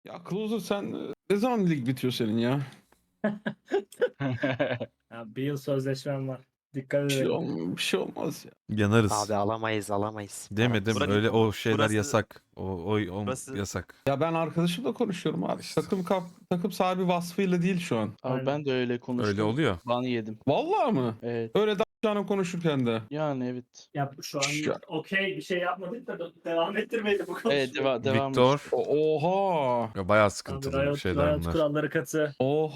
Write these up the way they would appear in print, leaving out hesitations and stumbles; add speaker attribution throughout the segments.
Speaker 1: Ya Closer sen ne zaman lig bitiyor senin ya?
Speaker 2: Ya bir yıl sözleşmem var. Dikkat edelim.
Speaker 1: Bir şey olmaz ya.
Speaker 3: Yanarız.
Speaker 4: Abi alamayız.
Speaker 3: Demedim
Speaker 4: Paramız.
Speaker 3: öyle o şeyler
Speaker 5: burası-
Speaker 3: yasak. O
Speaker 5: burası-
Speaker 3: yasak.
Speaker 1: Ya ben arkadaşımla konuşuyorum abi.
Speaker 3: İşte.
Speaker 1: Takım sahibi vasfıyla değil şu an.
Speaker 2: Aynen.
Speaker 6: Abi ben de öyle konuştum.
Speaker 3: Öyle oluyor.
Speaker 6: Ban yedim.
Speaker 1: Vallahi mı?
Speaker 6: Evet.
Speaker 1: Öyle canım konuşurken de.
Speaker 6: Yani evet.
Speaker 2: Ya şu an
Speaker 1: Şu-
Speaker 2: okey bir şey yapmadık da devam ettirmeyelim bu konuşmayı.
Speaker 6: Evet devam.
Speaker 3: Victor.
Speaker 1: Oha.
Speaker 3: Ya bayağı
Speaker 2: Abi
Speaker 3: sıkıntılı
Speaker 2: Riot,
Speaker 3: şeyler
Speaker 2: Riot
Speaker 3: bunlar.
Speaker 2: kuralları katı.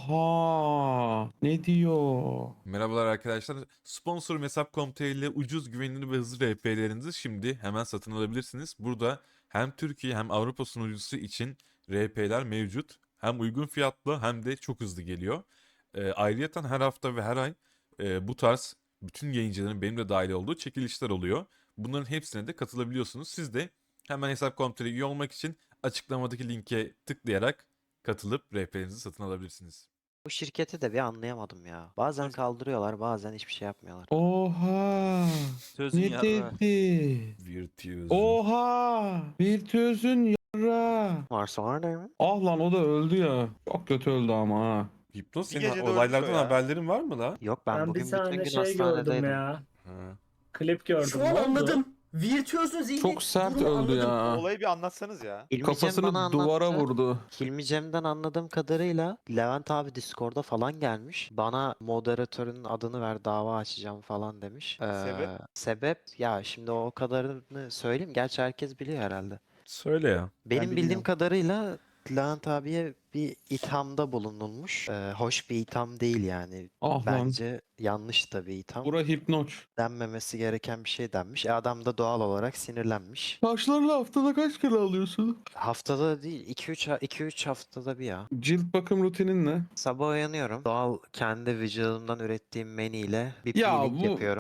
Speaker 1: Oha. Ne diyor?
Speaker 3: Merhabalar arkadaşlar. Sponsorum Hesap.com.tr ile ucuz, güvenilir ve hızlı RP'lerinizi şimdi hemen satın alabilirsiniz. Burada hem Türkiye hem Avrupa sunucusu için RP'ler mevcut. Hem uygun fiyatlı hem de çok hızlı geliyor. Ayrıyeten her hafta ve her ay bu tarz bütün yayıncıların benim de dahil olduğu çekilişler oluyor. Bunların hepsine de katılabiliyorsunuz. Siz de hemen Hesap.com.tr üye olmak için açıklamadaki linke tıklayarak katılıp RP'lerinizi satın alabilirsiniz.
Speaker 4: Bu şirketi de bir anlayamadım ya. Bazen kaldırıyorlar, bazen hiçbir şey yapmıyorlar.
Speaker 1: Oha.
Speaker 5: Sözün
Speaker 1: Ne
Speaker 5: yarra.
Speaker 1: dedi?
Speaker 3: Virtuoso.
Speaker 1: Oha. Virtüözün yarra.
Speaker 4: Varsa var değil mi?
Speaker 1: Ah lan o da öldü ya. Çok kötü öldü ama ha.
Speaker 3: Hipnoz
Speaker 5: Bir
Speaker 3: senin
Speaker 5: gecede
Speaker 3: olaylardan
Speaker 5: ölmüş o ya.
Speaker 3: haberlerin var mı la?
Speaker 4: Yok
Speaker 2: Ben
Speaker 4: ben
Speaker 2: bir
Speaker 4: bugün bütün
Speaker 2: tane
Speaker 4: gün
Speaker 2: şey gördüm
Speaker 4: hastanedeydim.
Speaker 2: ya.
Speaker 3: Ha.
Speaker 2: Klip gördüm.
Speaker 7: Şu
Speaker 2: Ne
Speaker 7: an
Speaker 2: oldu?
Speaker 7: anladım. Virtüözün zihni.
Speaker 1: Çok sert
Speaker 7: durumu
Speaker 1: öldü
Speaker 7: anladım.
Speaker 1: ya.
Speaker 5: Olayı bir anlatsanız ya.
Speaker 4: Hilmi Cem
Speaker 1: Kafasını
Speaker 4: bana
Speaker 1: duvara
Speaker 4: anlattı.
Speaker 1: vurdu.
Speaker 4: Hilmi Cem'den anladığım kadarıyla Levent abi Discord'da falan gelmiş. Bana moderatörün adını ver dava açacağım falan demiş.
Speaker 5: Sebep?
Speaker 4: Sebep ya şimdi o kadarını söyleyeyim. Gerçi herkes biliyor herhalde.
Speaker 3: Söyle ya.
Speaker 4: Benim bildiğim
Speaker 7: bilmiyorum.
Speaker 4: kadarıyla Levent abiye bir ithamda bulunulmuş. Hoş bir itham değil yani.
Speaker 1: Ah lan.
Speaker 4: Bence yanlış da bir itham.
Speaker 1: Bura hipnoç.
Speaker 4: Denmemesi gereken bir şey denmiş. Adam da doğal olarak sinirlenmiş.
Speaker 1: Saçlarını haftada kaç kere alıyorsun?
Speaker 4: Haftada değil 2-3 haftada bir ya.
Speaker 1: Cilt bakım rutinin ne?
Speaker 4: Sabah uyanıyorum. Doğal kendi vücudumdan ürettiğim meniyle bir
Speaker 1: Ya
Speaker 4: peeling
Speaker 1: bu-
Speaker 4: yapıyorum.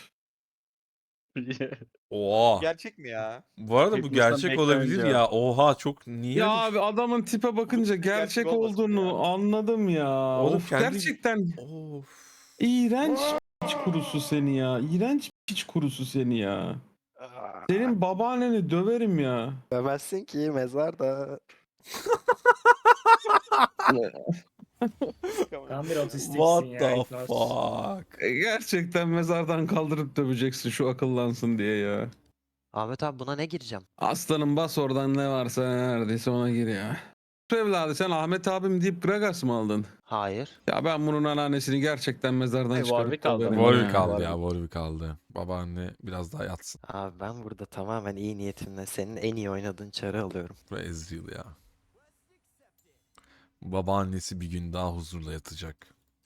Speaker 3: Oha.
Speaker 5: Gerçek mi ya?
Speaker 3: Bu arada bu
Speaker 6: Hipnozdan
Speaker 3: gerçek olabilir
Speaker 6: beklenince.
Speaker 3: ya. Oha çok niye
Speaker 1: Ya
Speaker 3: öyle bir-
Speaker 1: abi adamın tipe bakınca
Speaker 5: gerçek
Speaker 1: gerçek
Speaker 5: olmasın
Speaker 1: olduğunu
Speaker 5: ya.
Speaker 1: anladım ya.
Speaker 3: Oğlum
Speaker 1: Of,
Speaker 3: kendi-
Speaker 1: gerçekten
Speaker 3: Of.
Speaker 1: iğrenç piç kurusu seni ya. İğrenç piç kurusu seni ya. Senin babaanneni döverim ya.
Speaker 4: Demezsin ki mezarda.
Speaker 2: Tam bir otistiksin
Speaker 3: What
Speaker 2: ya.
Speaker 3: the
Speaker 2: Hipnoz.
Speaker 3: fuck?
Speaker 1: Gerçekten mezardan kaldırıp döveceksin şu akıllansın diye ya.
Speaker 4: Ahmet abi buna ne gireceğim?
Speaker 1: Aslanım bas oradan ne varsa neredeyse ona gir ya. Şu evladı sen Ahmet abim deyip Gragas mı aldın?
Speaker 4: Hayır.
Speaker 1: Ya ben bunun anneannesini gerçekten mezardan
Speaker 6: Ay,
Speaker 1: çıkarıp
Speaker 6: Warwick aldı.
Speaker 1: döverim
Speaker 3: Warwick
Speaker 1: ya.
Speaker 3: kaldı ya. Warwick kaldı. Babaanne biraz daha yatsın.
Speaker 4: Abi ben burada tamamen iyi niyetimle senin en iyi oynadığın çarı alıyorum.
Speaker 3: Bu Ezreal ya. Babaannesi bir gün daha huzurla yatacak.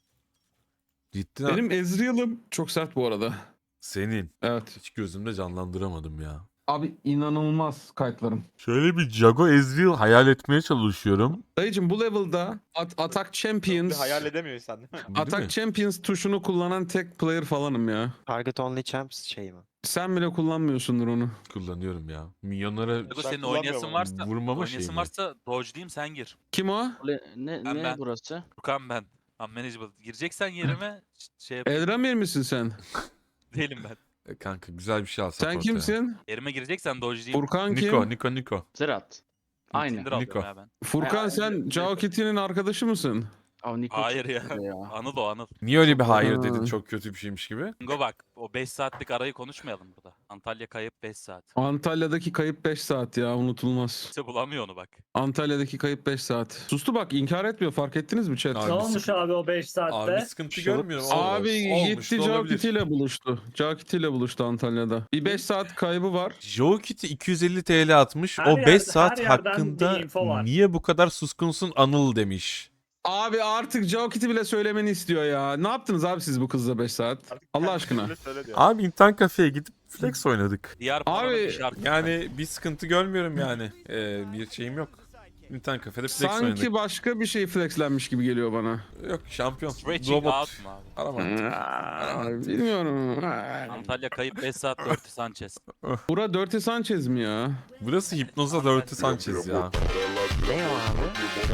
Speaker 3: Cidden
Speaker 1: Benim Ezreal'ım çok sert bu arada.
Speaker 3: senin.
Speaker 1: Evet.
Speaker 3: Hiç gözümde canlandıramadım ya.
Speaker 1: Abi inanılmaz kayıtlarım.
Speaker 3: Şöyle bir Jago Ezreal hayal etmeye çalışıyorum.
Speaker 1: Dayıcım bu level'da Attack
Speaker 5: Bir
Speaker 1: Champions
Speaker 5: hayal edemiyorsun değil mi?
Speaker 3: Değil mi?
Speaker 1: Attack Champions tuşunu kullanan tek player falanım ya.
Speaker 4: Target only champs şey mi?
Speaker 1: Sen bile kullanmıyorsundur onu.
Speaker 3: Kullanıyorum ya. Milyonlara
Speaker 8: Ego
Speaker 5: Ben
Speaker 8: senin
Speaker 5: kullanmıyorum
Speaker 8: oynayasın
Speaker 5: onu.
Speaker 8: varsa,
Speaker 3: vurmama şey
Speaker 8: oynayasın
Speaker 3: mi?
Speaker 8: varsa dodge'layayım sen gir.
Speaker 1: Kim o?
Speaker 6: Ne
Speaker 8: Ben.
Speaker 6: burası?
Speaker 8: Furkan ben. Unmanageable. Gireceksen yerime şey yapayım.
Speaker 1: Eldramir misin sen?
Speaker 8: Değilim ben.
Speaker 3: Kanka güzel bir şey alsak
Speaker 1: Sen
Speaker 3: ortaya.
Speaker 1: kimsin?
Speaker 8: Yerime gireceksen dodge'layayım.
Speaker 1: Furkan kim?
Speaker 3: Niko.
Speaker 6: Zerat. Aynı.
Speaker 8: Tinder alıyorum
Speaker 3: Niko.
Speaker 8: ya ben.
Speaker 1: Furkan
Speaker 6: Ay,
Speaker 1: sen
Speaker 6: ay,
Speaker 1: Cao Kitty'nin arkadaşı mısın?
Speaker 6: Abi Niko
Speaker 8: Hayır
Speaker 6: çok
Speaker 8: ya.
Speaker 6: güzel
Speaker 8: Anıl o Anıl.
Speaker 3: Niye öyle bir hayır
Speaker 1: Ha.
Speaker 3: dedin çok kötü bir şeymiş gibi?
Speaker 8: Go bak o 5 saatlik arayı konuşmayalım burada. Antalya kayıp 5 saat.
Speaker 1: Antalya'daki kayıp 5 saat ya unutulmaz.
Speaker 8: Kimse bulamıyor onu bak.
Speaker 1: Antalya'daki kayıp 5 saat. Sustu bak inkar etmiyor fark ettiniz mi chat?
Speaker 3: Abi
Speaker 2: Ne olmuş
Speaker 3: sıkıntı-
Speaker 2: abi o 5 saatte?
Speaker 3: Abi sıkıntı
Speaker 4: Şurup-
Speaker 3: görmüyorum.
Speaker 1: Abi
Speaker 3: Olmuş
Speaker 1: gitti
Speaker 3: da
Speaker 1: Cao
Speaker 3: olabilir.
Speaker 1: Kitty ile buluştu. Cao Kitty ile buluştu Antalya'da. Bir 5 saat kaybı var.
Speaker 3: Joe Kitty 250 TL atmış.
Speaker 2: Her
Speaker 3: O 5
Speaker 2: yerde-
Speaker 3: saat
Speaker 2: her yerden
Speaker 3: hakkında
Speaker 2: bir info var.
Speaker 3: niye bu kadar suskunsun Anıl demiş.
Speaker 1: Abi artık Cao Kitty bile söylemeni istiyor ya. Ne yaptınız abi siz bu kızla 5 saat?
Speaker 5: Artık
Speaker 1: Allah
Speaker 5: kendisi
Speaker 1: aşkına.
Speaker 5: öyle söyle diyor.
Speaker 3: Abi internet kafeye gidip flex oynadık.
Speaker 8: Diğer
Speaker 1: Abi,
Speaker 8: paranın bir şarkı.
Speaker 3: Yani bir sıkıntı görmüyorum yani. Bir şeyim yok. İnternet kafede flex
Speaker 1: Sanki
Speaker 3: oynadık.
Speaker 1: başka bir şey flexlenmiş gibi geliyor bana.
Speaker 3: Yok şampiyon.
Speaker 8: Stretching
Speaker 3: Robot.
Speaker 8: out mu abi?
Speaker 3: Arama.
Speaker 1: Bilmiyorum.
Speaker 8: Antalya kayıp 5 saat 4 Sanchez.
Speaker 1: Bura Dirty Sanchez mi ya?
Speaker 3: Burası Hipnoza Dirty Sanchez ya.
Speaker 4: Ne o abi?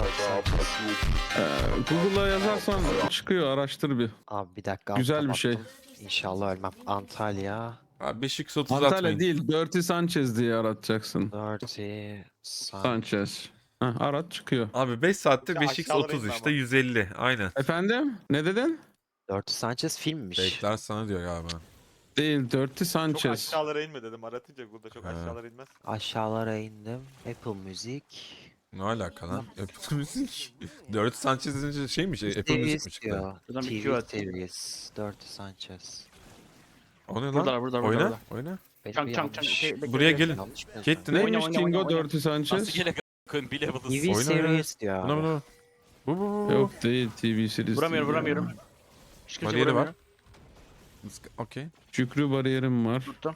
Speaker 1: Google'a yazarsan çıkıyor araştır bir.
Speaker 4: Abi bir dakika.
Speaker 1: Güzel
Speaker 4: altta
Speaker 1: bir şey.
Speaker 4: baktım. İnşallah ölmem. Antalya.
Speaker 3: Abi 5x30
Speaker 1: Antalya
Speaker 3: atmayın.
Speaker 1: değil Dirty Sanchez diye aratacaksın.
Speaker 4: Dirty Sun.
Speaker 1: Sanchez. Heh, arat çıkıyor.
Speaker 3: Abi 5 saatte
Speaker 5: Ya
Speaker 3: 5x
Speaker 5: aşağılara
Speaker 3: 30
Speaker 5: inme
Speaker 3: işte
Speaker 5: ama.
Speaker 3: 150. Aynen.
Speaker 1: Efendim? Ne dedin?
Speaker 4: Dirty Sanchez filmmiş.
Speaker 3: Bekler sana diyor galiba.
Speaker 1: Değil. Dirty
Speaker 5: Çok
Speaker 1: Sanchez.
Speaker 5: aşağılara inme dedim. Aratınca burada çok
Speaker 3: Ha.
Speaker 5: aşağılara inmez.
Speaker 4: Aşağılara indim. Apple Music.
Speaker 3: Ne alaka lan? Apple Music. Dirty Sanchez deyince şeymiş. Apple Music
Speaker 4: Series
Speaker 3: mi çıktı?
Speaker 4: diyor.
Speaker 6: Buradan bir
Speaker 4: TV
Speaker 6: Q at.
Speaker 4: series. Dirty Sanchez.
Speaker 3: O ne lan?
Speaker 6: Burada, burada, burada,
Speaker 3: Oyna.
Speaker 6: burada.
Speaker 3: Oyna.
Speaker 4: Benim
Speaker 6: Çank,
Speaker 4: bir
Speaker 6: çank, çank.
Speaker 4: yanlış-
Speaker 6: Şey, bekle,
Speaker 3: Buraya
Speaker 6: bekle.
Speaker 3: gelin.
Speaker 4: yanlış mı yazdım?
Speaker 3: Caitlyn
Speaker 6: Oyna,
Speaker 1: Neymiş
Speaker 6: oyna,
Speaker 1: Kingo
Speaker 6: oyna, oyna.
Speaker 1: Dirty Sanchez?
Speaker 8: Nasıl gerek koyun bile
Speaker 4: TV
Speaker 3: Oyna ya.
Speaker 4: series diyor
Speaker 3: Buna
Speaker 4: abi.
Speaker 3: buna. Bu.
Speaker 1: Yok değil TV series.
Speaker 6: Vuramıyorum,
Speaker 1: değil
Speaker 6: vuramıyorum.
Speaker 1: ya.
Speaker 6: Hiç kimse
Speaker 3: Bariyeri var.
Speaker 6: vuramıyor.
Speaker 3: Okey.
Speaker 1: Şükrü bariyerim var.
Speaker 6: Tuttum.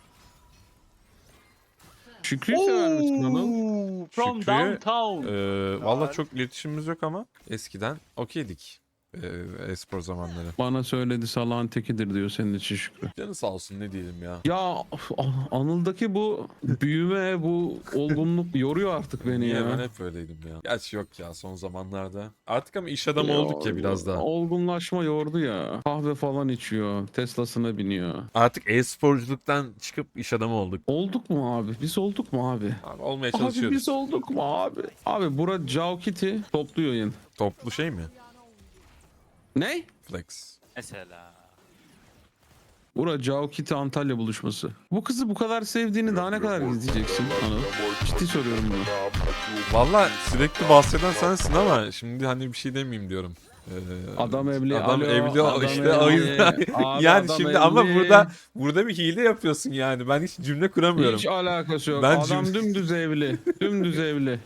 Speaker 1: Şükrü'yü sever misin Anıl?
Speaker 6: From
Speaker 3: Şükrü,
Speaker 6: downtown.
Speaker 3: Valla çok iletişimimiz yok ama eskiden okeydik. E-spor zamanları.
Speaker 1: Bana söyledi salağın tekidir diyor senin için Şükrü.
Speaker 3: Canı sağ olsun ne diyelim ya.
Speaker 1: Ya Anıl'daki bu büyüme, bu olgunluk yoruyor artık beni
Speaker 3: Niye
Speaker 1: ya.
Speaker 3: ben hep öyleydim ya. Gerçi yok ya son zamanlarda. Artık ama iş adamı olduk ya biraz daha.
Speaker 1: Olgunlaşma yordu ya. Kahve falan içiyor. Tesla'sına biniyor.
Speaker 3: Artık e-sporculuktan çıkıp iş adamı olduk.
Speaker 1: Olduk mu abi? Biz olduk mu abi?
Speaker 3: Abi olmaya
Speaker 1: Abi
Speaker 3: çalışıyoruz.
Speaker 1: biz olduk mu abi? Abi bura Cao Kitty toplu yayın.
Speaker 3: Toplu şey mi?
Speaker 1: Ne?
Speaker 3: Flex.
Speaker 8: mesela.
Speaker 1: Bura Cao Kitty Antalya buluşması. Bu kızı bu kadar sevdiğini daha ne kadar gizleyeceksin Anıl? Ciddi soruyorum bunu.
Speaker 3: Valla sürekli bahseden sensin ama şimdi hani bir şey demeyeyim diyorum.
Speaker 1: Adam evli.
Speaker 3: Adam
Speaker 1: alo,
Speaker 3: evli
Speaker 1: adam
Speaker 3: işte
Speaker 1: evli.
Speaker 3: o yüzden.
Speaker 1: Abi
Speaker 3: Yani
Speaker 1: adam
Speaker 3: şimdi ama
Speaker 1: evli.
Speaker 3: burada bir hile yapıyorsun yani. Ben hiç cümle kuramıyorum.
Speaker 1: Hiç alakası yok.
Speaker 3: Ben
Speaker 1: Adam dümdüz evli. Dümdüz evli.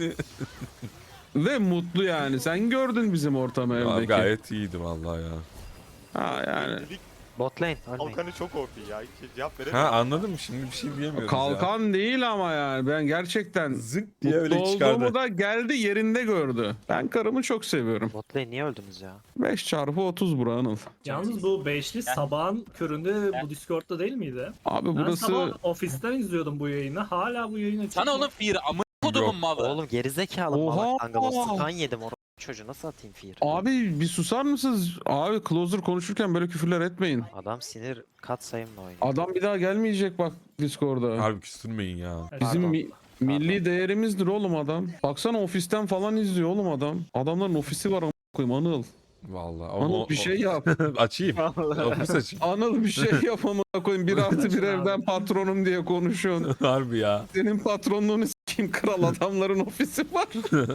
Speaker 1: Ve mutlu yani. Sen gördün bizim ortamı
Speaker 3: Ya,
Speaker 1: evdeki.
Speaker 3: gayet iyiydi vallahi ya.
Speaker 1: Ha yani.
Speaker 5: Lig
Speaker 4: Bot lane. Ölmeyin.
Speaker 5: Kalkanı çok OP ya. Hiç cevap
Speaker 3: Ha
Speaker 5: veremiyorum.
Speaker 3: anladım şimdi bir şey diyemiyoruz ya.
Speaker 1: Kalkan değil ama yani. Ben gerçekten
Speaker 3: Zık diye
Speaker 1: mutlu
Speaker 3: öyle çıkardı.
Speaker 1: olduğumu da geldi yerinde gördü. Ben karımı çok seviyorum.
Speaker 4: Bot lane niye öldünüz ya?
Speaker 1: 5x30 bura Anıl.
Speaker 2: Yalnız bu beşli sabahın köründe bu Discord'da değil miydi?
Speaker 1: Abi
Speaker 2: Ben
Speaker 1: burası...
Speaker 2: sabah ofisten izliyordum bu yayını. Hala bu yayın açık.
Speaker 8: Sana onun fear'ı amına kodumun malı.
Speaker 4: Oğlum gerizekalı
Speaker 1: Oha!
Speaker 4: malak kanka. Stun yedim onu. Çocuğu nasıl atayım fear?
Speaker 1: Abi bir susar mısınız? Abi Closer konuşurken böyle küfürler etmeyin.
Speaker 4: Adam sinir kat sayımla oynuyor.
Speaker 1: Adam bir daha gelmeyecek bak Discord'a.
Speaker 3: Harbi küstürmeyin ya.
Speaker 1: Bizim
Speaker 4: Pardon.
Speaker 1: milli değerimizdir oğlum adam. Baksana ofisten falan izliyor oğlum adam. Adamların ofisi var koyayım Anıl.
Speaker 3: Vallahi.
Speaker 1: Anıl bir şey yap.
Speaker 3: Açayım. Ofis açayım.
Speaker 1: Anıl bir şey yap amına koyayım. 1+1 evden patronum diye konuşuyorsun.
Speaker 3: Harbi ya.
Speaker 1: Senin patronluğunu s**eyim kral adamların ofisi var.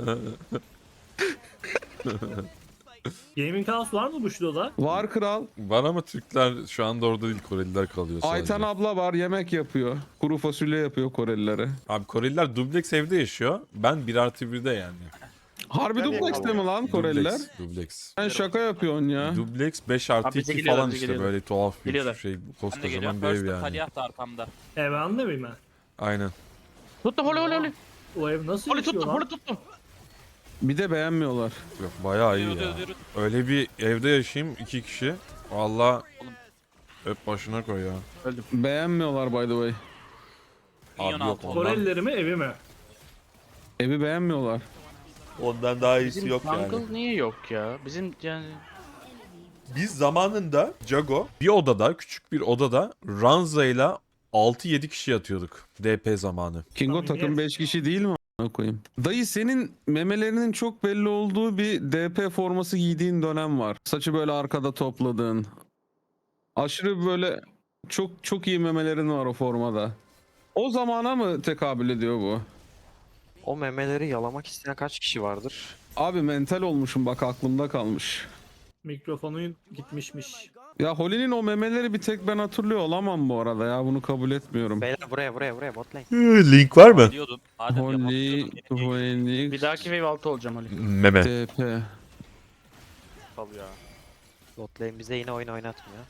Speaker 2: Gaming House var mı bu şurada?
Speaker 1: Var kral.
Speaker 3: Var ama Türkler şu anda orada değil, Koreliler kalıyor sadece.
Speaker 1: Ayten abla var yemek yapıyor. Kuru fasulye yapıyor Korelilere.
Speaker 3: Abi Koreliler dubleks evde yaşıyor. Ben 1+1'de yani.
Speaker 1: Harbi
Speaker 5: Nereye
Speaker 1: dubleks mi
Speaker 5: kalıyor?
Speaker 1: lan Koreliler?
Speaker 3: Dubleks.
Speaker 1: Sen şaka yapıyorsun ya.
Speaker 3: Dubleks
Speaker 6: Abi
Speaker 3: 5+2
Speaker 6: bize geliyorlar,
Speaker 3: falan
Speaker 6: bize
Speaker 3: işte
Speaker 6: geliyorlar.
Speaker 3: böyle tuhaf bir
Speaker 6: Geliyorlar.
Speaker 3: şey.
Speaker 8: Ben de
Speaker 3: Koskocaman
Speaker 8: geliyorum.
Speaker 3: bir ev
Speaker 8: First
Speaker 3: yani.
Speaker 8: Talyah da arkamda.
Speaker 2: Ben anlamayayım ben.
Speaker 3: Aynen.
Speaker 6: Tuttum, holi.
Speaker 2: O ev nasıl
Speaker 6: Holi
Speaker 2: yaşıyor
Speaker 6: tuttum,
Speaker 2: lan?
Speaker 6: holi tuttum.
Speaker 1: Bir de beğenmiyorlar.
Speaker 3: Yok bayağı iyi
Speaker 8: Yürü,
Speaker 3: ya.
Speaker 8: yürü.
Speaker 3: Öyle bir evde yaşayayım 2 kişi. Valla
Speaker 8: Oğlum.
Speaker 3: öp başına koy ya.
Speaker 1: Beğenmiyorlar by the way.
Speaker 8: Minyon
Speaker 3: Abi yok
Speaker 8: altı.
Speaker 3: ondan.
Speaker 2: Korelileri mi evi mi?
Speaker 1: Evi beğenmiyorlar.
Speaker 3: Ondan daha
Speaker 6: Bizim jungle niye yok ya? Bizim yani...
Speaker 3: Biz zamanında Jago bir odada, küçük bir odada Ranza ile 6-7 kişi yatıyorduk DP zamanı.
Speaker 1: Kingo
Speaker 2: Tahmin
Speaker 1: takım
Speaker 2: et.
Speaker 1: 5 kişi değil mi a**ına koyayım? Dayı senin memelerinin çok belli olduğu bir DP forması giydiğin dönem var. Saçı böyle arkada topladığın. Aşırı böyle çok iyi memelerin var o formada. O zamana mı tekabül ediyor bu?
Speaker 4: O memeleri yalamak isteyen kaç kişi vardır?
Speaker 1: Abi mental olmuşum bak aklımda kalmış.
Speaker 2: Mikrofonun gitmişmiş.
Speaker 1: Ya Holly'nin o memeleri bir tek ben hatırlıyor olamam bu arada ya bunu kabul etmiyorum.
Speaker 4: Beyler buraya bot lane.
Speaker 3: Link var mı?
Speaker 8: Diyordun. Adem
Speaker 1: Holly,
Speaker 8: yapabiliyordun.
Speaker 1: Phoenix,
Speaker 6: Bir dahaki wave 6 olacağım holi.
Speaker 3: Meme.
Speaker 1: DP.
Speaker 5: Sal ya.
Speaker 4: Bot lane bize yine oyun oynatmıyor.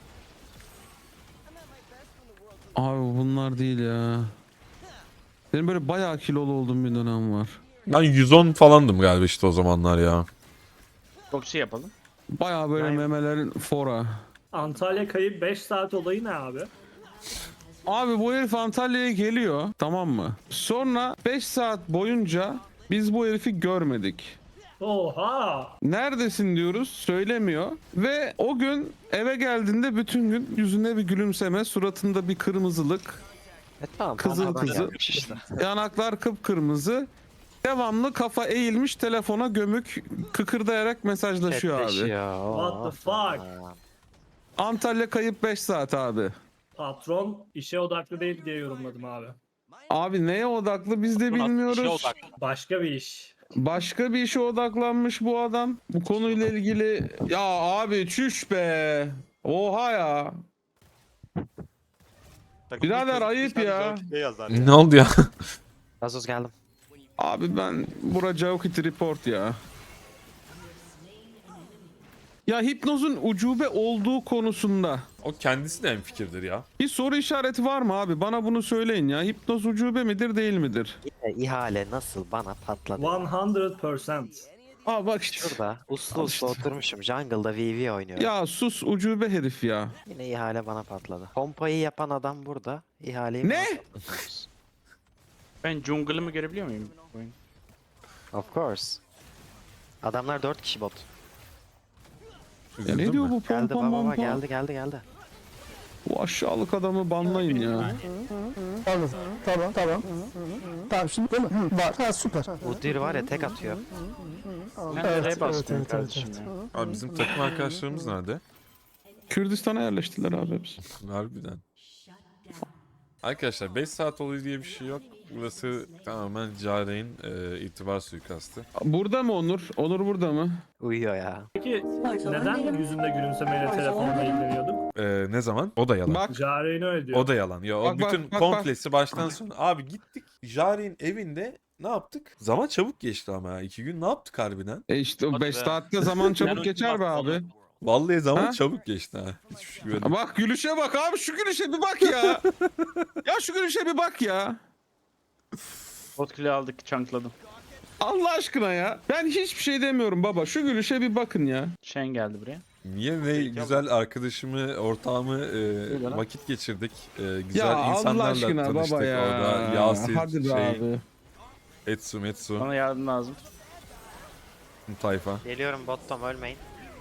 Speaker 1: Abi bunlar değil ya. Benim böyle bayağı kilolu olduğum bir dönem var.
Speaker 3: Ben 110 falandım galiba işte o zamanlar ya.
Speaker 6: Proxy yapalım.
Speaker 1: Bayağı böyle
Speaker 4: Yani-
Speaker 1: memelerin fora.
Speaker 2: Antalya kayıp 5 saat olayı ne abi?
Speaker 1: Abi bu herif Antalya'ya geliyor tamam mı? Sonra 5 saat boyunca biz bu herifi görmedik.
Speaker 2: Oha!
Speaker 1: Neredesin diyoruz söylemiyor. Ve o gün eve geldiğinde bütün gün yüzünde bir gülümseme, suratında bir kırmızılık,
Speaker 4: Tamam.
Speaker 1: Kızıl
Speaker 4: adam
Speaker 1: kızıl.
Speaker 4: yapmış işte.
Speaker 1: yanaklar kıpkırmızı. devamlı kafa eğilmiş telefona gömük kıkırdayarak mesajlaşıyor abi.
Speaker 4: Chatleşiyor.
Speaker 2: What the fuck?
Speaker 1: Antalya kayıp 5 saat abi.
Speaker 2: Patron işe odaklı değil diye yorumladım abi.
Speaker 1: Abi neye odaklı biz de
Speaker 8: Bu nasıl işe
Speaker 1: bilmiyoruz.
Speaker 8: odaklı?
Speaker 2: Başka bir iş.
Speaker 1: Başka bir işe odaklanmış bu adam. Bu konuyla ilgili ya abi çüş be. Oha ya.
Speaker 5: Takımın
Speaker 1: Birader,
Speaker 5: çocuk
Speaker 1: ayıp
Speaker 5: bir tane
Speaker 1: ya.
Speaker 5: Jockey yazar ya.
Speaker 3: Ne oldu ya?
Speaker 4: Gazoz geldim.
Speaker 1: Abi ben bura Joukit report ya. Ya Hipnoz'un ucube olduğu konusunda
Speaker 3: O kendisi de hemfikirdir ya.
Speaker 1: bir soru işareti var mı abi? Bana bunu söyleyin ya. Hipnoz ucube midir değil midir?
Speaker 4: İhale nasıl bana patladı?
Speaker 2: 100%.
Speaker 1: Aa bak işte.
Speaker 4: Şurada uslu
Speaker 1: Al
Speaker 4: uslu
Speaker 1: işte.
Speaker 4: oturmuşum. Jungle'da VV oynuyorum.
Speaker 1: Ya sus ucube herif ya.
Speaker 4: Yine ihale bana patladı. Pompayı yapan adam burada. İhaleyi
Speaker 1: Ne?
Speaker 4: bana patlatıyorsunuz.
Speaker 6: Ben jungle'ımı görebiliyor muyum? Oyun.
Speaker 4: Of course. Adamlar 4 kişi bot.
Speaker 1: Ya
Speaker 3: Üzüldün
Speaker 1: ne diyor
Speaker 3: mü?
Speaker 1: bu
Speaker 4: Geldi
Speaker 1: pompa
Speaker 4: baba
Speaker 1: mompa?
Speaker 4: geldi.
Speaker 1: Bu aşağılık adamı banlayın ya.
Speaker 7: Tamam. Tamam şimdi değil mi? Var. Ha süper.
Speaker 4: Udyr var ya tek atıyor.
Speaker 6: Ben nereye basmıyorum kardeşim ya?
Speaker 3: Abi bizim takım arkadaşlarımız nerede?
Speaker 1: Kürdistan'a yerleştiler abi hepsi.
Speaker 3: Harbiden. Arkadaşlar 5 saat oluyor diye bir şey yok. Burası tamamen Care'in itibar suikastı.
Speaker 1: Burada mı Onur? Onur burada mı?
Speaker 4: Uyuyor ya.
Speaker 2: Peki neden yüzünde gülümsemeyle telefonla ilgileniyorduk?
Speaker 3: Ne zaman? O da yalan.
Speaker 1: Bak
Speaker 2: Jare'ni öyle diyor.
Speaker 3: O da yalan. Ya o
Speaker 1: Bak, bak,
Speaker 3: bütün
Speaker 1: bak,
Speaker 3: komplesi baştan sona. Abi gittik Jare'in evinde ne yaptık? Zaman çabuk geçti ama ya. 2 gün ne yaptık harbiden?
Speaker 1: işte o
Speaker 8: Hadi
Speaker 1: 5
Speaker 8: be.
Speaker 1: saatte zaman
Speaker 8: Ben
Speaker 1: çabuk geçer be
Speaker 8: ultimatum
Speaker 1: abi.
Speaker 3: Vallahi zaman
Speaker 1: Ha?
Speaker 3: çabuk geçti ha. Hiçbir şey görmedim.
Speaker 1: Bak gülüşe bak abi, şu gülüşe bir bak ya. Ya şu gülüşe bir bak ya.
Speaker 6: Bot kill'i aldık, chunkladım.
Speaker 1: Allah aşkına ya. Ben hiçbir şey demiyorum baba. Şu gülüşe bir bakın ya.
Speaker 6: Shen geldi buraya.
Speaker 3: Niye ne güzel arkadaşımı, ortağımı
Speaker 6: lan.
Speaker 3: vakit geçirdik. Güzel
Speaker 1: Ya Allah
Speaker 3: insanlarla
Speaker 1: aşkına
Speaker 3: tanıştık
Speaker 1: baba ya.
Speaker 3: orada. Yasin,
Speaker 1: Hadi be abi.
Speaker 3: Etsu,
Speaker 6: Bana yardım lazım.
Speaker 3: tayfa.
Speaker 4: Geliyorum bottom ölmeyin.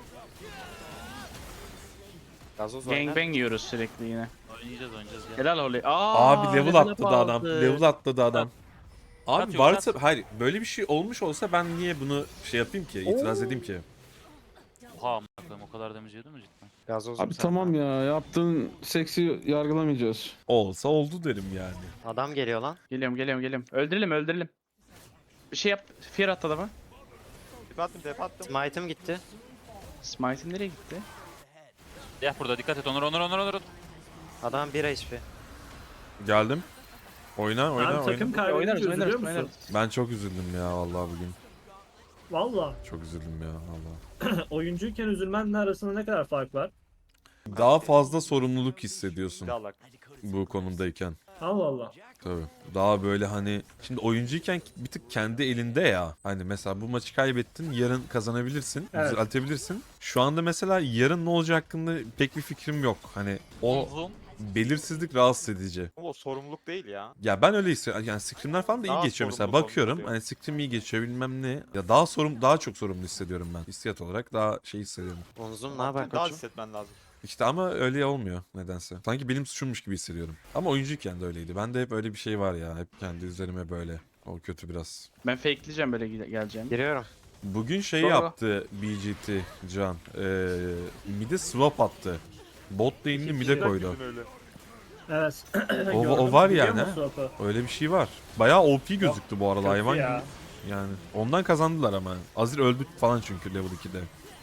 Speaker 4: Gazoz oyna.
Speaker 6: Gangbang yiyoruz sürekli yine.
Speaker 8: Oynayacağız gel.
Speaker 6: Helal Holly.
Speaker 3: Abi level atladı adam.
Speaker 6: aldı.
Speaker 3: Level atladı adam. Abi
Speaker 8: Atıyor,
Speaker 3: varsa hayır böyle bir şey olmuş olsa ben niye bunu şey yapayım ki? İtiraz edeyim ki?
Speaker 8: Oha amına koyayım, o kadar damage yedi mi cidden?
Speaker 4: Gazozum
Speaker 1: Abi
Speaker 4: sen
Speaker 1: tamam
Speaker 4: de.
Speaker 1: ya. Yaptığın seksi yargılamayacağız.
Speaker 3: Olsa oldu derim yani.
Speaker 4: Adam geliyor lan.
Speaker 6: Geliyorum. Öldürelim. Bir şey yap. Fear at adama.
Speaker 5: Dep attım.
Speaker 4: Smite'ım gitti.
Speaker 6: Smite'in nereye gitti?
Speaker 8: Ya burada dikkat et Onur.
Speaker 4: Adam 1 HP.
Speaker 3: Geldim. Oyna.
Speaker 2: Abi takım kaybedince üzülüyor musun?
Speaker 3: Ben çok üzüldüm ya vallahi bugün.
Speaker 2: Valla.
Speaker 3: Çok üzüldüm ya vallahi.
Speaker 2: Oyuncuyken üzülmenle arasında ne kadar fark var?
Speaker 3: Daha fazla sorumluluk hissediyorsun
Speaker 5: Dalak.
Speaker 3: bu konumdayken.
Speaker 2: Allah Allah.
Speaker 3: Tabii. Daha böyle hani şimdi oyuncuyken bir tık kendi elinde ya. Hani mesela bu maçı kaybettin, yarın kazanabilirsin,
Speaker 2: Evet.
Speaker 3: düzeltebilirsin. Şu anda mesela yarın ne olacak hakkında pek bir fikrim yok. Hani o
Speaker 8: Uzun.
Speaker 3: belirsizlik rahatsız edici.
Speaker 5: Ama o sorumluluk değil ya.
Speaker 3: Ya ben öyle hissediyorum. Yani scrimler falan da iyi
Speaker 5: Daha
Speaker 3: geçiyor mesela.
Speaker 5: sorumlu
Speaker 3: Bakıyorum
Speaker 5: oluyor.
Speaker 3: hani scrim iyi geçiyor bilmem ne. Ya daha çok sorumlu hissediyorum ben. Hissiyat olarak daha şey hissediyorum.
Speaker 4: Onzum ne haber
Speaker 5: Daha
Speaker 4: koçum?
Speaker 5: hissetmen lazım.
Speaker 3: İşte ama öyle olmuyor nedense. Sanki benim suçummuş gibi hissediyorum. Ama oyuncuyken de öyleydi. Bende hep öyle bir şey var ya. Hep kendi üzerime böyle. O kötü biraz.
Speaker 6: Ben fakeleyeceğim böyle geleceğim.
Speaker 4: Giriyorum.
Speaker 3: Bugün şey
Speaker 6: Doğru.
Speaker 3: yaptı BGT Can. Mid'e swap attı. Bot lane'ini mid'e koydu.
Speaker 5: Yüzün öyle.
Speaker 2: Evet.
Speaker 3: O var
Speaker 2: Biliyor
Speaker 3: yani,
Speaker 2: musun swap'ı?
Speaker 3: Öyle bir şey var. Bayağı OP gözüktü bu arada
Speaker 2: Kötü
Speaker 3: hayvan
Speaker 2: ya.
Speaker 3: gibi. Yani ondan kazandılar ama. Azir öldü falan çünkü level 2'de.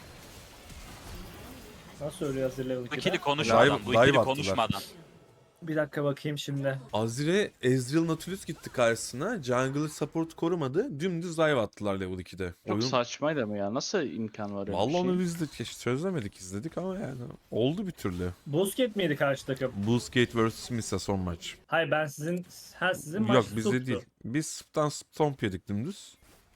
Speaker 2: Nasıl ölüyor hazır level
Speaker 8: Bu
Speaker 2: 2'de?
Speaker 8: ikili konuşmadan. Bu
Speaker 3: dive
Speaker 8: ikili
Speaker 3: attılar.
Speaker 8: konuşmadan.
Speaker 2: Bir dakika bakayım şimdi.
Speaker 3: Azir'e Ezreal Nautilus gitti karşısına. Jungler support korumadı. Dümdüz dive attılar level 2'de.
Speaker 6: Çok saçmaydı ama ya. Nasıl imkan var öyle
Speaker 3: Vallahi
Speaker 6: bir şey?
Speaker 3: onu biz de çözemedik, izledik ama yani oldu bir türlü.
Speaker 2: Busket miydi karşı takım?
Speaker 3: Bullsgate vs Misa son maç.
Speaker 2: Hayır ben sizin maç
Speaker 3: Yok bizde
Speaker 2: tuttu.
Speaker 3: değil. Biz Sp'tan stomp yedik dümdüz.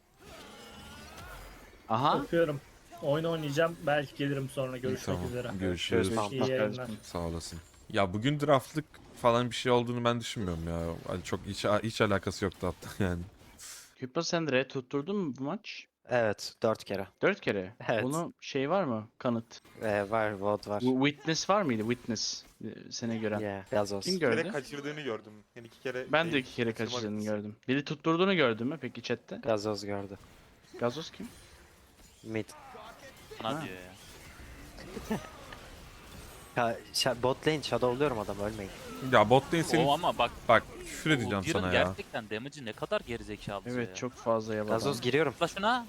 Speaker 6: Aha.
Speaker 2: Bakıyorum. Oyun oynayacağım. Belki gelirim sonra.
Speaker 3: İyi,
Speaker 2: Görüşmek
Speaker 3: tamam.
Speaker 2: üzere.
Speaker 3: Görüşürüz.
Speaker 4: Tamam.
Speaker 2: İyi yayınlar.
Speaker 3: Sağ olasın. Ya bugün draftlık falan bir şey olduğunu ben düşünmüyorum ya. Hani çok hiç alakası yoktu hatta yani.
Speaker 6: Küpa sen de tutturdun mu bu maç?
Speaker 4: Evet 4 kere.
Speaker 6: 4 kere.
Speaker 4: Evet.
Speaker 6: Bunun şey var mı? Kanıt.
Speaker 4: Var VOD var.
Speaker 6: Bu Witness var mıydı? Witness. Seni gören.
Speaker 4: Yeah, gazoz.
Speaker 6: Kim
Speaker 5: Bir kere
Speaker 6: gördü?
Speaker 5: kaçırdığını gördüm. Yani 2 kere
Speaker 6: Ben de
Speaker 5: değil,
Speaker 6: 2 kere
Speaker 5: kaçırma
Speaker 6: kaçırdığını
Speaker 5: bilgisi.
Speaker 6: gördüm. Biri tutturduğunu gördün mü peki chatte?
Speaker 4: Gazoz gördü.
Speaker 6: Gazoz kim?
Speaker 4: Mid.
Speaker 8: Bana
Speaker 6: Ha.
Speaker 8: diyor ya.
Speaker 4: Bot lane shadowluyorum adam ölmeyin.
Speaker 3: Ya bot lane senin...
Speaker 8: O ama bak.
Speaker 3: Bak küfür edeceğim
Speaker 8: Udyr'ın
Speaker 3: sana ya.
Speaker 8: gerçekten damage'i ne kadar gerizekalı ya.
Speaker 6: Evet çok fazla yabancı.
Speaker 4: Gazoz giriyorum.
Speaker 8: La şuna.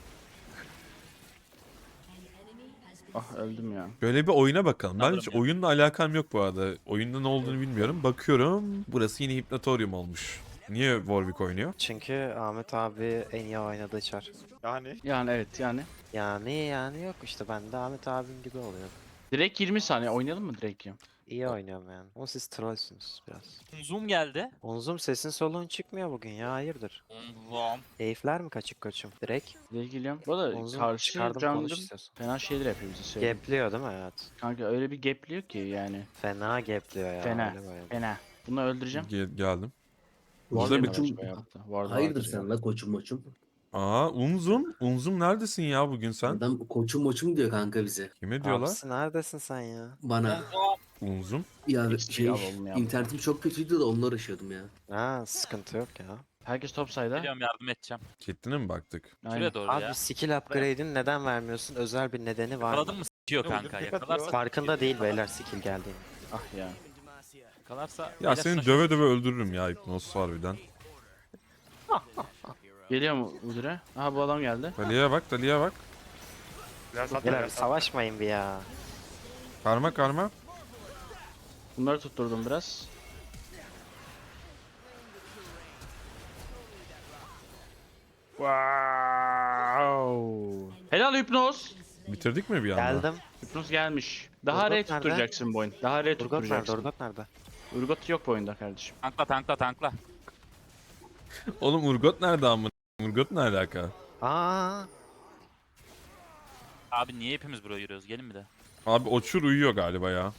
Speaker 6: Ah öldüm ya.
Speaker 3: Böyle bir oyuna bakalım. Ben
Speaker 8: Alırım
Speaker 3: hiç
Speaker 8: ya.
Speaker 3: oyunla alakam yok bu arada. Oyunda ne olduğunu bilmiyorum. Bakıyorum. Burası yine Hypnotorium olmuş. Niye Warwick oynuyor?
Speaker 4: Çünkü Ahmet abi en iyi oynadığı çar.
Speaker 5: Yani
Speaker 6: Yani evet yani.
Speaker 4: Yani yok işte ben de Ahmet abim gibi oluyor.
Speaker 6: Direkt 20 saniye oynayalım mı direkt ya?
Speaker 4: İyi oynuyorum yani. Ama siz trollsünüz biraz.
Speaker 8: Zoom geldi.
Speaker 4: Onzum sesin soluğun çıkmıyor bugün ya hayırdır?
Speaker 8: Zoom.
Speaker 4: Keyifler mi kaçık koçum? Direkt
Speaker 6: Direkt geliyorum. Bu arada
Speaker 4: Onzum
Speaker 6: karşı
Speaker 4: çıkardım konuş
Speaker 6: jungle'ım
Speaker 4: istiyorsan.
Speaker 6: fena şeyler yapıyor bize söyleyeyim.
Speaker 4: Gapliyor değil mi? Evet.
Speaker 6: Kanka öyle bir gapliyor ki yani.
Speaker 4: Fena gapliyor ya.
Speaker 6: Fena.
Speaker 4: öyle böyle.
Speaker 6: Fena. Bunu öldüreceğim.
Speaker 3: Geldim.
Speaker 6: Ward
Speaker 3: Burada bir...
Speaker 6: yememiş bu hayatta. Ward
Speaker 9: Hayırdır
Speaker 6: vardır ya.
Speaker 9: sen la koçum moçum?
Speaker 3: Aa Unzum. Unzum neredesin ya bugün sen?
Speaker 9: Adam koçum moçum diyor kanka bize.
Speaker 3: Kime diyorlar?
Speaker 4: Abisi neredesin sen ya?
Speaker 9: Bana.
Speaker 3: Unzum.
Speaker 9: Ya
Speaker 6: Hiç
Speaker 9: şey
Speaker 6: alalım ya.
Speaker 9: internetim çok kötüydü de onunla uğraşıyordum ya.
Speaker 4: Ha sıkıntı yok ya.
Speaker 6: Herkes top side'a.
Speaker 8: Geliyorum yardım edeceğim.
Speaker 3: Catelyn'e mi baktık?
Speaker 6: Aynen.
Speaker 8: Şuraya doğru
Speaker 4: Abi
Speaker 8: ya.
Speaker 4: skill upgrade'ini neden vermiyorsun? Özel bir nedeni var
Speaker 8: Yakaladın
Speaker 4: mı?
Speaker 8: mı s***yiyor
Speaker 5: Ne
Speaker 8: kanka.
Speaker 5: oldu?
Speaker 8: Yakalarsa
Speaker 4: Farkında değil beyler skill geldiğini.
Speaker 6: Ah ya.
Speaker 8: yakalarsa.
Speaker 3: Ya
Speaker 8: Beyler
Speaker 3: seni
Speaker 8: şuna-
Speaker 3: döve döve öldürürüm ya Hypnos harbiden.
Speaker 6: Geliyor mu Udire? Aha bu adam geldi.
Speaker 3: Dalia'ya bak, Dalia'ya bak.
Speaker 5: biraz at,
Speaker 4: Beyler
Speaker 5: biraz at.
Speaker 4: savaşmayın bir ya.
Speaker 3: Karma karma.
Speaker 6: Bunları tutturdum biraz. Wow. Helal Hypnos.
Speaker 3: Bitirdik mi bir anda?
Speaker 4: Geldim.
Speaker 6: Hypnos gelmiş. Daha
Speaker 4: Urgot
Speaker 6: R
Speaker 4: nerede?
Speaker 6: tutturacaksın bu oyun. Daha R
Speaker 4: Urgot nerede?
Speaker 6: tutturacaksın.
Speaker 4: Urgot nerede?
Speaker 6: Urgot yok bu oyunda kardeşim.
Speaker 8: Tankla.
Speaker 3: Oğlum Urgot nerede amına? Urgot ne alaka?
Speaker 4: Aa,
Speaker 8: Abi niye hepimiz buraya yürüyoruz? Gelin bir de.
Speaker 3: Abi Oçur uyuyor galiba ya.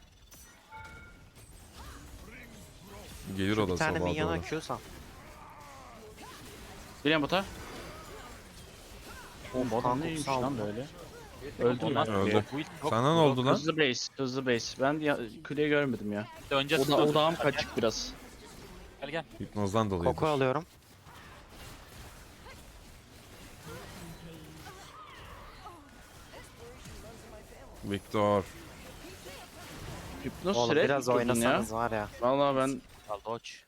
Speaker 3: Gelir o
Speaker 4: bir
Speaker 3: da
Speaker 4: tane
Speaker 3: sabaha
Speaker 4: minyona
Speaker 3: doğru.
Speaker 4: Q sal.
Speaker 6: Geliyorum bota. Oğlum bu adam
Speaker 4: Kanka,
Speaker 6: neymiş
Speaker 4: sağ ol.
Speaker 6: lan böyle? Öldüm
Speaker 8: Ondan
Speaker 6: ben.
Speaker 8: sonra
Speaker 3: Öldü.
Speaker 8: bu ilk çok
Speaker 3: Sana ne oldu lan?
Speaker 6: Hızlı base. Ben ya, kuleyi görmedim ya.
Speaker 8: önce
Speaker 6: Odağım kaçık biraz.
Speaker 8: Gel.
Speaker 3: Hipnozdan dolayı.
Speaker 4: Koku alıyorum.
Speaker 3: Victor.
Speaker 6: Hypnos
Speaker 4: Oğlum
Speaker 6: süre
Speaker 4: biraz
Speaker 6: tutturdun ya.
Speaker 4: oynasanız var ya.
Speaker 6: Vallahi ben
Speaker 8: Al doç.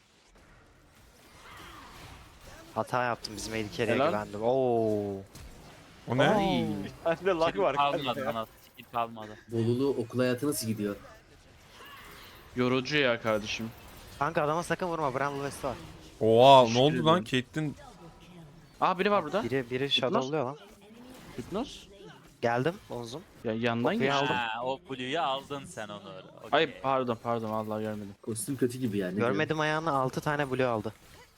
Speaker 4: Hata yaptım bizim Edikere'ye
Speaker 6: Helal.
Speaker 4: güvendim. Oo.
Speaker 3: O ne?
Speaker 6: Ay.
Speaker 5: Bende lag var
Speaker 8: Kalmadı
Speaker 5: kanka ya.
Speaker 8: bana. Skill kalmadı.
Speaker 9: Bolulu okul hayatı nasıl gidiyor?
Speaker 6: Yorucu ya kardeşim.
Speaker 4: Kanka adama sakın vurma. Bramble West var.
Speaker 3: Oha ne
Speaker 6: Teşekkür
Speaker 3: oldu lan?
Speaker 6: ederim.
Speaker 3: Caitlyn
Speaker 6: Aa biri var burada.
Speaker 4: Biri shadowluyor lan.
Speaker 6: Hypnos.
Speaker 4: Geldim Onzum.
Speaker 6: Ya yandan
Speaker 4: Kokuyu
Speaker 6: geçti.
Speaker 4: aldım.
Speaker 8: Ha, o Blue'yu aldın sen onu. Okey.
Speaker 6: Ay pardon vallahi görmedim.
Speaker 9: Kostüm kötü gibi yani.
Speaker 4: Görmedim ayağını 6 tane blue aldı.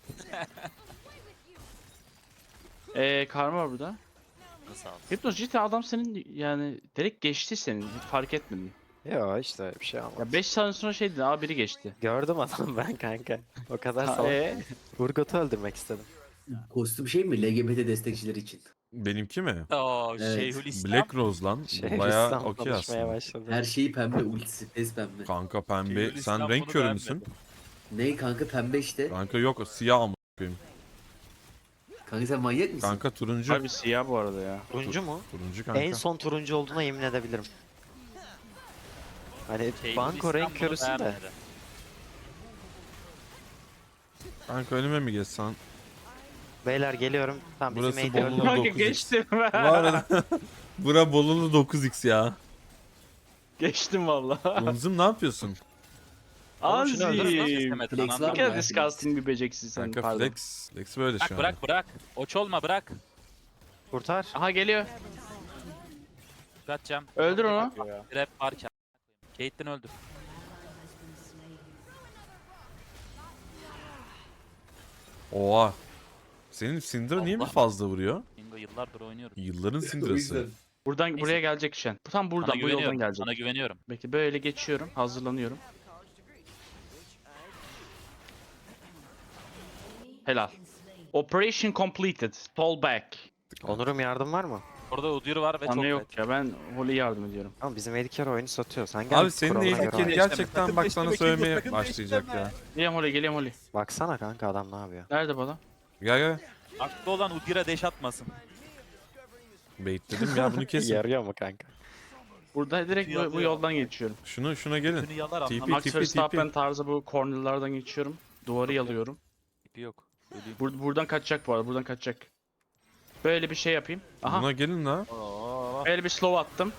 Speaker 6: Karma var burada.
Speaker 8: Nasıl aldın?
Speaker 6: Hypnos cidden adam senin yani direkt geçti senin. Hiç fark etmedin.
Speaker 4: Yo işte bir şey olmadı.
Speaker 6: Ya 5 saniye sonra şey dedin aa biri geçti.
Speaker 4: Gördüm adam ben kanka. O kadar
Speaker 6: Ha,
Speaker 4: salak. Urgot'u öldürmek istedim.
Speaker 9: Kostüm şey mi? LGBT destekçileri için.
Speaker 3: benimki mi?
Speaker 8: Oo
Speaker 9: Evet.
Speaker 8: Şeyhülislam.
Speaker 3: Black Rose lan.
Speaker 4: Şey,
Speaker 3: Bayağı
Speaker 4: İslam
Speaker 3: okey
Speaker 4: konuşmaya
Speaker 3: aslında.
Speaker 4: başladı.
Speaker 9: Her şeyi pembe ultisi. Tez pembe.
Speaker 3: Kanka pembe.
Speaker 8: Şeyhülislam
Speaker 3: Sen renk
Speaker 8: bunu
Speaker 3: körü
Speaker 8: beğenmedi.
Speaker 3: müsün?
Speaker 9: Ne kanka pembe işte.
Speaker 3: Kanka yok siyah amına koyayım.
Speaker 9: Kanka sen manyak mısın?
Speaker 3: Kanka turuncu.
Speaker 6: Abi siyah bu arada ya.
Speaker 4: Turuncu mu?
Speaker 3: Turuncu kanka.
Speaker 4: En son turuncu olduğuna yemin edebilirim. Hani
Speaker 8: Şeyhülislam
Speaker 4: banko renk
Speaker 8: bunu
Speaker 4: körüsün de.
Speaker 8: beğenmedi.
Speaker 3: Kanka önüme mi geçsen?
Speaker 4: Beyler geliyorum. Tamam bizim
Speaker 3: Burası
Speaker 4: mate öldü.
Speaker 3: Bolu.
Speaker 6: Kanka
Speaker 3: 9x.
Speaker 6: geçtim.
Speaker 3: Bu arada bura Bolulu 9x ya.
Speaker 6: Geçtim valla.
Speaker 3: Unzum ne yapıyorsun?
Speaker 4: Oğlum şunu öldürün lan.
Speaker 6: Anzi.
Speaker 8: İstemedin,
Speaker 9: Flex
Speaker 8: anladın
Speaker 9: var
Speaker 6: Ne
Speaker 8: mı?
Speaker 9: mı?
Speaker 6: kadar disgusting bir beceksin sen
Speaker 3: Kanka
Speaker 6: pardon.
Speaker 3: flex. Flex böyle şu an.
Speaker 8: Bırak. Oç olma bırak.
Speaker 4: Kurtar.
Speaker 6: Aha geliyor.
Speaker 8: Kaçacağım.
Speaker 6: Öldür onu.
Speaker 8: Rap varken. Caitlyn öldü.
Speaker 3: Oha. Senin Syndra niye mi
Speaker 8: Allah.
Speaker 3: fazla vuruyor?
Speaker 8: Bingo yıllardır oynuyorum.
Speaker 3: Yılların
Speaker 9: O
Speaker 3: Syndra'sı.
Speaker 9: yüzden.
Speaker 6: Buradan
Speaker 8: Neyse.
Speaker 6: buraya gelecek Şen. Tam
Speaker 8: Sana
Speaker 6: buradan bu yoldan
Speaker 8: güveniyorum.
Speaker 6: gelecek.
Speaker 8: Sana güveniyorum.
Speaker 6: Peki böyle geçiyorum. Hazırlanıyorum. Helal. Operation completed. Fall back.
Speaker 4: Onur'um yardım var mı?
Speaker 8: Orada Udyr var ve çok
Speaker 6: Bana yok
Speaker 8: net.
Speaker 6: ya, ben Holy yardım ediyorum.
Speaker 4: Ama bizim Edikar oyunu satıyor. Sen gel
Speaker 3: Abi senin
Speaker 4: kuralına göre
Speaker 3: ehliyet
Speaker 4: oyna.
Speaker 3: gerçekten bak sana söylemeye başlayacak ya.
Speaker 6: Geliyorum Holy, geliyorum Holy.
Speaker 4: Baksana kanka adam ne yapıyor.
Speaker 6: Nerede bu adam?
Speaker 3: Gel gel.
Speaker 8: Aklı olan Udyr'a deş atmasın.
Speaker 3: Baitledim ya bunu kesin.
Speaker 4: Yarıyor mu kanka?
Speaker 6: Burada direkt bu yoldan geçiyorum.
Speaker 3: Şuna gelin.
Speaker 8: Günü yalar
Speaker 3: TP.
Speaker 8: anlamı.
Speaker 6: Max Verstappen tarzı bu cornerlardan geçiyorum. Duvarı yalıyorum.
Speaker 8: Tipi yok. Öleyim.
Speaker 6: Buradan kaçacak bu arada, buradan kaçacak. Böyle bir şey yapayım. Aha.
Speaker 3: Buna gelin la.
Speaker 8: Oo.
Speaker 6: Böyle bir slow attım.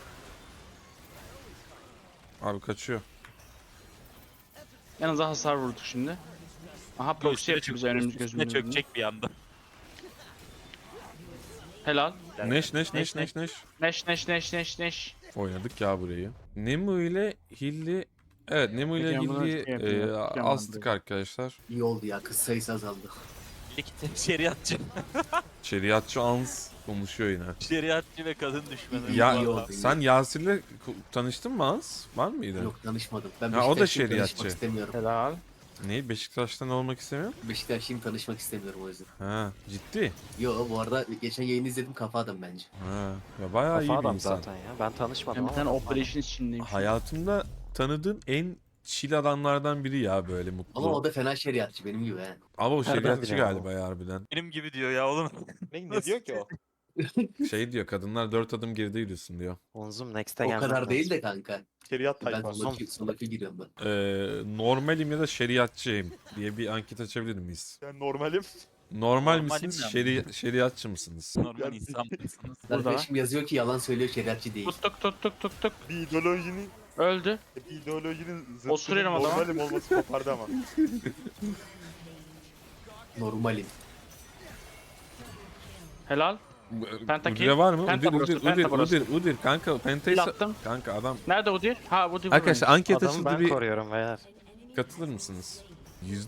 Speaker 3: Abi kaçıyor.
Speaker 6: Yanınıza hasar vurduk şimdi. Aha proxy
Speaker 8: Üstüne
Speaker 6: yapıyor bize önümüz
Speaker 8: üstüne
Speaker 6: gözümüzün önünde.
Speaker 8: çökecek bir anda.
Speaker 6: Helal.
Speaker 3: Neş.
Speaker 6: Neş.
Speaker 3: Oynadık ya burayı. Nemu ile Hilli. Evet Nemu ile
Speaker 6: Peki, ben bunu
Speaker 3: Hilli
Speaker 6: şey yapayım ya, yapacağım
Speaker 3: astık
Speaker 6: ben
Speaker 3: arkadaşlar.
Speaker 9: İyi oldu ya kız sayısı azaldı.
Speaker 8: İki şeriatçı.
Speaker 3: Şeriatçı Ans konuşuyor yine.
Speaker 8: Şeriatçı ve kadın düşmanı.
Speaker 3: Ya
Speaker 9: iyi oldu, iyi.
Speaker 3: sen Yasir'le tanıştın mı Ans? Var mıydı?
Speaker 9: Yok tanışmadım. Ben
Speaker 3: Ha, o da
Speaker 9: Beşiktaşlıyım,
Speaker 3: şeriatçı.
Speaker 9: tanışmak istemiyorum.
Speaker 6: Helal.
Speaker 3: Ne? Beşiktaş'tan olmak istemiyor?
Speaker 9: Beşiktaşlıyım tanışmak istemiyorum o yüzden.
Speaker 3: Ha ciddi.
Speaker 9: Yo bu arada geçen yayını izledim kafa adam bence.
Speaker 3: Ha ya bayağı iyi
Speaker 4: Kafa
Speaker 3: bir
Speaker 4: adam
Speaker 3: insan.
Speaker 4: zaten ya. Ben tanışmadım
Speaker 6: Ben bir tane
Speaker 4: ama.
Speaker 6: operation içindeyim.
Speaker 3: Hayatımda tanıdığım en chill adamlardan biri ya böyle mutlu.
Speaker 9: Ama o da fena şeriatçı benim gibi he.
Speaker 3: Ama o
Speaker 4: Nereden
Speaker 3: şeriatçı
Speaker 4: biliyorum
Speaker 3: galiba ya harbiden.
Speaker 8: Benim gibi diyor ya oğlum.
Speaker 5: Ne diyor ki o?
Speaker 3: Şey diyor kadınlar 4 adım geride yürüsün diyor.
Speaker 4: Onzum Next'e
Speaker 9: O
Speaker 4: gelmem
Speaker 9: kadar
Speaker 4: lazım.
Speaker 9: değil de kanka.
Speaker 5: Şeriat
Speaker 9: Ben
Speaker 5: tayfası.
Speaker 9: sonraki giriyorum ben.
Speaker 3: Normalim ya da şeriatçıyım diye bir anket açabilir miyiz?
Speaker 5: Ben normalim.
Speaker 3: Normal
Speaker 8: Normalim
Speaker 3: misiniz?
Speaker 8: ne
Speaker 3: Şeriatçı mısınız?
Speaker 8: Normal insan mısınız?
Speaker 6: Burada.
Speaker 9: Arkadaşım yazıyor ki yalan söylüyor şeriatçı değil.
Speaker 6: Tuttuk.
Speaker 5: Bir ideolojinin
Speaker 6: Öldü.
Speaker 5: zıttının
Speaker 6: Osuruyorum adama.
Speaker 5: normalim olması kopardı ama.
Speaker 9: Normalim.
Speaker 6: Helal. Pentakill.
Speaker 3: Udire var mı?
Speaker 6: Penta burası, penta burası.
Speaker 3: Udir kanka pentayı
Speaker 6: Kill attım.
Speaker 3: kanka adam.
Speaker 6: Nerede Udyr? Ha Udyr
Speaker 3: Arkadaşlar anket
Speaker 4: Adamı
Speaker 3: açıldı
Speaker 4: ben
Speaker 3: bir
Speaker 4: koruyorum beyler.
Speaker 3: katılır mısınız?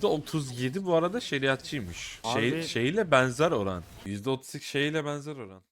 Speaker 3: %37 bu arada şeriatçıymış.
Speaker 6: Abi-
Speaker 3: Şeyle benzer oran. %38 şeyle benzer oran.